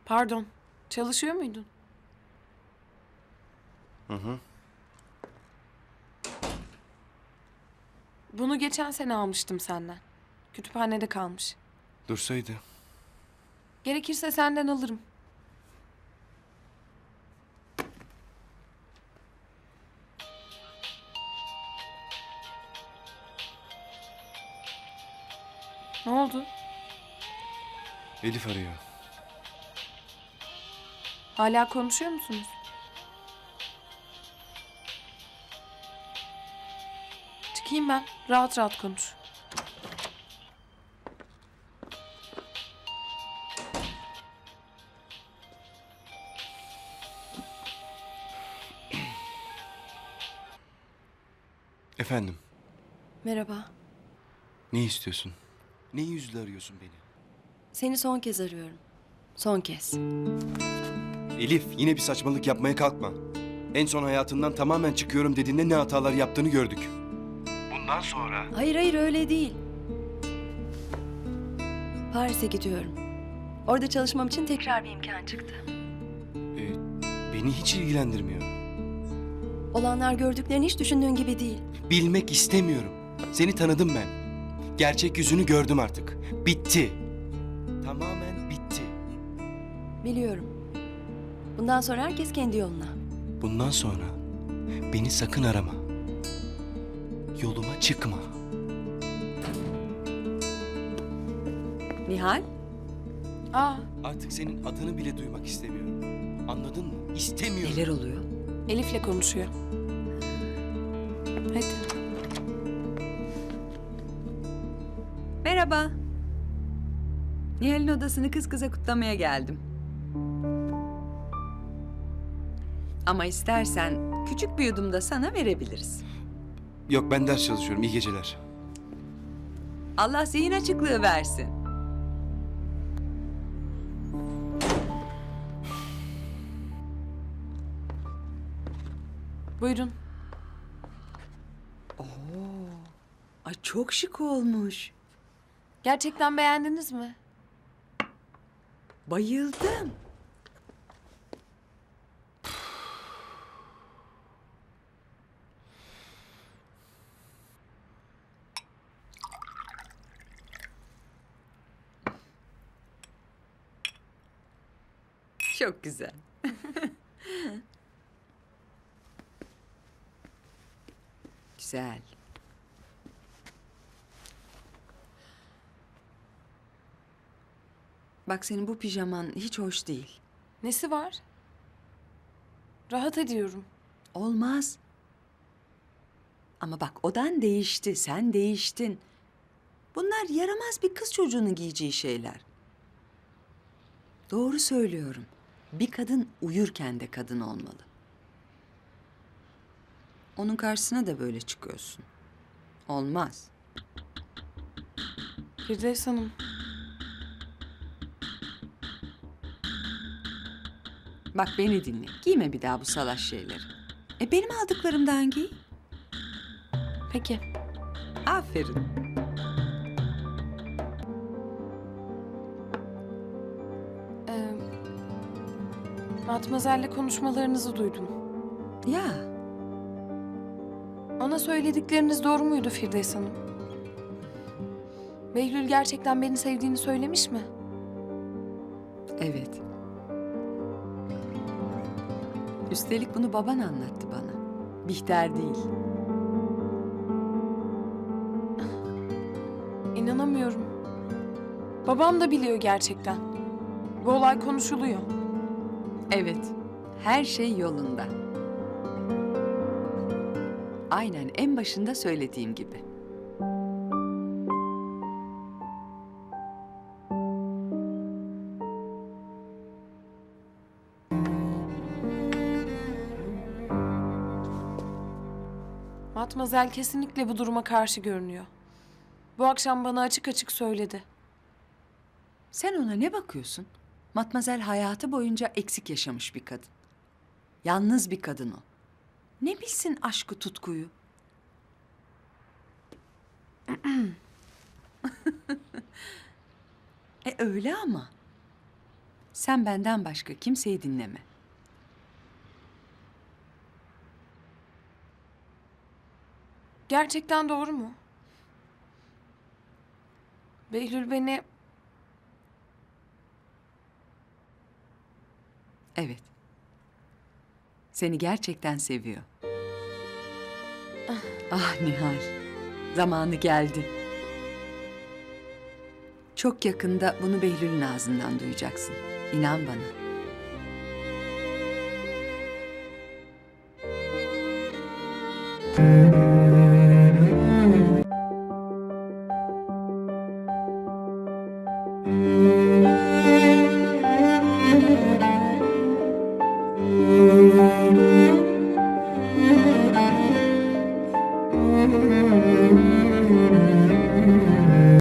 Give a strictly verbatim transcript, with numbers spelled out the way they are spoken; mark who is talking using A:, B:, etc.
A: Pardon, çalışıyor muydun?
B: Hı hı.
A: Bunu geçen sene almıştım senden. Kütüphanede kalmış.
B: Dursaydı.
A: Gerekirse senden alırım. Ne oldu?
B: Elif arıyor.
A: Hala konuşuyor musunuz? Çıkayım ben. Rahat rahat konuş.
B: Efendim,
C: Merhaba.
B: ne istiyorsun? Ne yüzle arıyorsun beni?
C: Seni son kez arıyorum. Son kez.
B: Elif, yine bir saçmalık yapmaya kalkma. En son hayatından tamamen çıkıyorum dediğinde ne hatalar yaptığını gördük. Bundan sonra...
C: Hayır hayır öyle değil. Paris'e gidiyorum. Orada çalışmam için tekrar bir imkan çıktı.
B: E, beni hiç ilgilendirmiyor.
C: Olanlar gördüklerini hiç düşündüğün gibi değil.
B: Bilmek istemiyorum. Seni tanıdım ben. Gerçek yüzünü gördüm artık. Bitti. Tamamen bitti.
C: Biliyorum. Bundan sonra herkes kendi yoluna.
B: Bundan sonra beni sakın arama. Yoluma çıkma.
C: Nihal?
A: Aa,
B: Artık senin adını bile duymak istemiyorum. Anladın mı? İstemiyorum.
C: Neler oluyor?
A: Elif'le konuşuyor. Hadi.
D: Merhaba. Nihal'in odasını kız kıza kutlamaya geldim. Ama istersen küçük bir yudum da sana verebiliriz.
B: Yok, ben ders çalışıyorum. İyi geceler.
D: Allah zihin açıklığı versin.
A: Buyurun.
D: Ay çok şık olmuş.
A: Gerçekten beğendiniz mi?
D: Bayıldım. Çok güzel. Güzel. Bak senin bu pijaman hiç hoş değil.
A: Nesi var? Rahat ediyorum.
D: Olmaz. Ama bak odan değişti, sen değiştin. Bunlar yaramaz bir kız çocuğunun giyeceği şeyler. Doğru söylüyorum. Bir kadın uyurken de kadın olmalı. Onun karşısına da böyle çıkıyorsun. Olmaz.
A: Firdevs Hanım,
D: Bak beni dinle. Giyme bir daha bu salaş şeyleri. E benim aldıklarımdan giy.
A: peki.
D: Aferin.
A: Ee, Matmazel'le konuşmalarınızı duydum.
D: Ya
A: Ona söyledikleriniz doğru muydu Firdevs Hanım? Behlül gerçekten beni sevdiğini söylemiş mi?
D: evet. Üstelik bunu baban anlattı bana. Bihter değil.
A: İnanamıyorum. Babam da biliyor gerçekten. Bu olay konuşuluyor.
D: Evet. Her şey yolunda. Aynen en başında söylediğim gibi.
A: Matmazel kesinlikle bu duruma karşı görünüyor. Bu akşam bana açık açık söyledi.
D: Sen ona ne bakıyorsun? Matmazel hayatı boyunca eksik yaşamış bir kadın. Yalnız bir kadın o. Ne bilsin aşkı tutkuyu? e öyle ama. Sen benden başka kimseyi dinleme.
A: Gerçekten doğru mu? Behlül beni
D: Evet. Seni gerçekten seviyor. Ah Nihal. Zamanı geldi. Çok yakında bunu Behlül'ün ağzından duyacaksın. İnan bana.